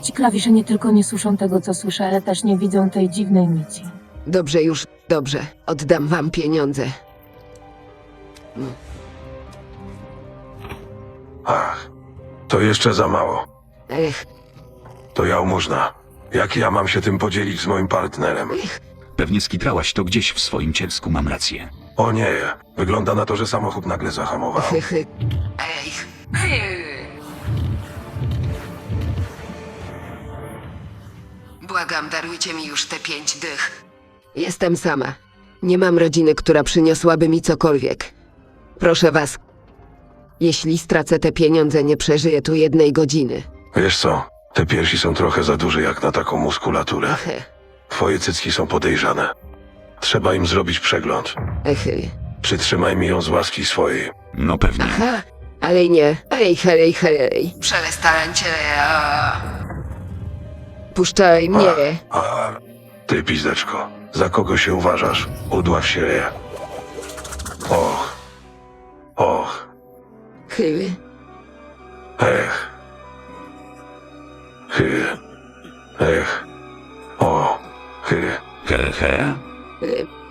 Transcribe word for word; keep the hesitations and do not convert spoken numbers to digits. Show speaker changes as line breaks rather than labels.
Ci klawisze nie tylko nie słyszą tego, co słyszę, ale też nie widzą tej dziwnej nici.
Dobrze już, dobrze. Oddam wam pieniądze.
Ach, to jeszcze za mało.
Ech,
To jałmużna. Jak ja mam się tym podzielić z moim partnerem?
Pewnie skitrałaś to gdzieś w swoim cielsku, mam rację.
O nie, wygląda na to, że samochód nagle zahamował.
chy, chy. Ej, chy. Błagam, darujcie mi już te pięć dych. Jestem sama. Nie mam rodziny, która przyniosłaby mi cokolwiek. Proszę was. Jeśli stracę te pieniądze, nie przeżyję tu jednej godziny.
Wiesz co, te piersi są trochę za duże jak na taką muskulaturę.
Chy,
Twoje cycki są podejrzane. Trzeba im zrobić przegląd.
chy.
Przytrzymaj mi ją z łaski swojej.
No pewnie.
Ha, ale nie. Ej, hej, hej. Przestańcie. Puszczaj mnie.
A ty, pizdeczko, za kogo się uważasz? Udław się je. Och. Och.
Chy.
Ech. Chy. Ech. O. Chy.
He, he.
Chy.